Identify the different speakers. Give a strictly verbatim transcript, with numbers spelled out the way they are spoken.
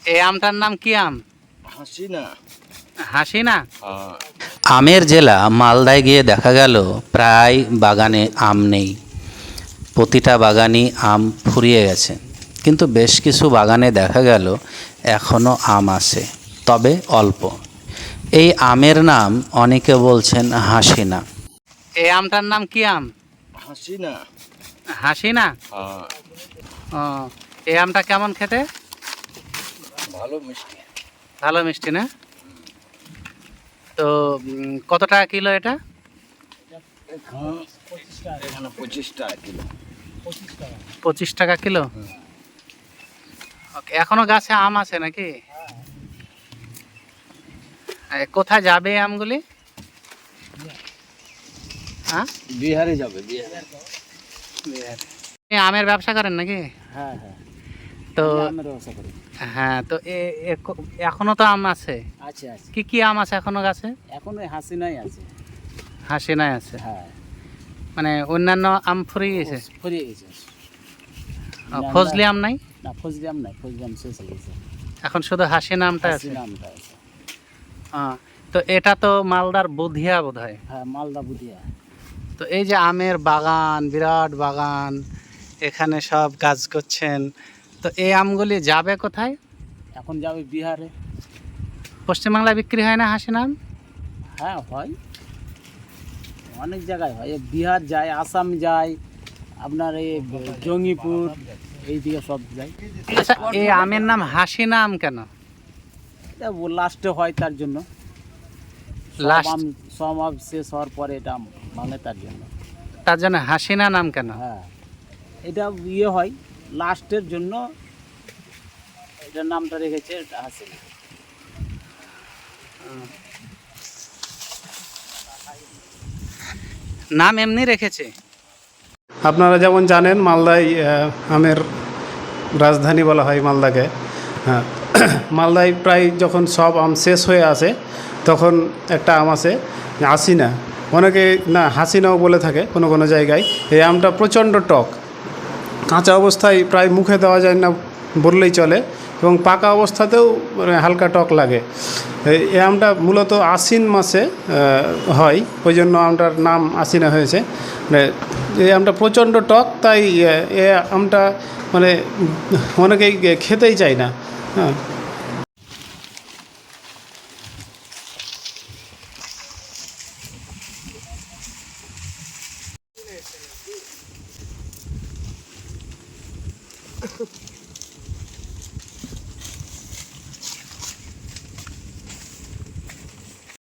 Speaker 1: এই আমটার নাম কি আম?
Speaker 2: হাসিনা।
Speaker 1: হাসিনা।
Speaker 2: হ্যাঁ।
Speaker 3: আমের জেলা মালদায় গিয়ে দেখা গেল প্রায় বাগানে আম নেই। প্রতিটা বাগানই আম ফুরিয়ে গেছে, কিন্তু বেশ কিছু বাগানে দেখা গেল এখনও আম আছে, তবে অল্প। এই আমের নাম অনেকে বলছেন হাসিনা।
Speaker 1: এই আমটার নাম কি আম?
Speaker 2: হাসিনা।
Speaker 1: হাসিনা।
Speaker 2: হ্যাঁ।
Speaker 1: ও, এই আমটা কেমন খেতে?
Speaker 2: ভালো মিষ্টি।
Speaker 1: ভালো মিষ্টি না? তো উম, কত টাকা কিলো এটা?
Speaker 2: এখানে পঁচিশ টাকা কিলো।
Speaker 1: পঁচিশ টাকা কিলো। ওকে, এখনো গাছে আম আছে নাকি? এ, কোথায় যাবে এই আমগুলি? হ্যাঁ,
Speaker 2: বিহারে যাবে, বিহারে।
Speaker 1: আপনি আমের ব্যবসা করেন নাকি?
Speaker 2: হ্যাঁ হ্যাঁ।
Speaker 1: তো
Speaker 2: আমের ব্যবসা করি।
Speaker 1: হ্যাঁ, তো এ- এ- ক- এখনো তো আম আছে।
Speaker 2: আছে আছে।
Speaker 1: কি কি আম আছে এখনো গাছে?
Speaker 2: এখন ওই হাসিনাই আছে।
Speaker 1: হাসিনাই আছে,
Speaker 2: হ্যাঁ।
Speaker 1: মানে অন্যান্য আম ফুরিয়ে গেছে।
Speaker 2: ফুরিয়ে গেছে।
Speaker 1: ও, ফজলি আম নাই?
Speaker 2: না, ফজলি আম নাই, ফজলি আম শেষ হয়ে গেছে।
Speaker 1: এখন শুধু হাসিনা আমটা আছে।
Speaker 2: হাসিনা আমটা আছে।
Speaker 1: হ্যাঁ, তো এটা তো মালদার বুধিয়া বোধ হয়।
Speaker 2: হ্যাঁ, মালদা বুধিয়া।
Speaker 1: তো এই যে আমের বাগান, বিরাট বাগান, এখানে সব কাজ করছেন, তো এই আমগুলি যাবে কোথায়?
Speaker 2: এখন যাবে বিহারে।
Speaker 1: পশ্চিমবাংলায় বিক্রি হয় না হাসিনা আম?
Speaker 2: হ্যাঁ হয়, অনেক জায়গায় হয়। এই বিহার যায়, আসাম যায়, আপনার এই জঙ্গিপুর, এই দিকে সব যায়।
Speaker 1: আচ্ছা, এই আমের নাম হাসিনা আম কেন?
Speaker 2: এটা লাস্টে হয় তার জন্য। সব
Speaker 1: Last?
Speaker 2: আম সব আম শেষ হওয়ার পরে এটা আম ভাঙে তার জন্য।
Speaker 1: তার জন্য হাসিনা নাম কেন?
Speaker 2: হ্যাঁ, এটা ইয়ে হয় লাস্টের জন্য, এটার নামটা রেখেছে এটা হাসিনা।
Speaker 1: নাম এমনি রেখেছে।
Speaker 4: আপনারা যেমন জানেন মালদায় আহ, আমের রাজধানী বলা হয় মালদাকে। হ্যাঁ, মালদায় প্রায় যখন সব আম শেষ হয়ে আসে তখন একটা আম আছে হাসিনা, অনেকে না হাসিনাও বলে থাকে কোনো কোনো জায়গায়। এই আমটা প্রচণ্ড টক, কাঁচা অবস্থায় প্রায় মুখে দেওয়া যায় না বললেই চলে, এবং পাকা অবস্থাতেও মানে হালকা টক লাগে। এই- এই আমটা মূলত আশ্বিন মাসে আহ, হয়, ওই জন্য আমটার নাম আশ্বিনা হয়েছে। মানে এই আমটা প্রচণ্ড টক, তাই আহ, এই আমটা মানে অনেকেই খেতেই চায় না। হ্যাঁ,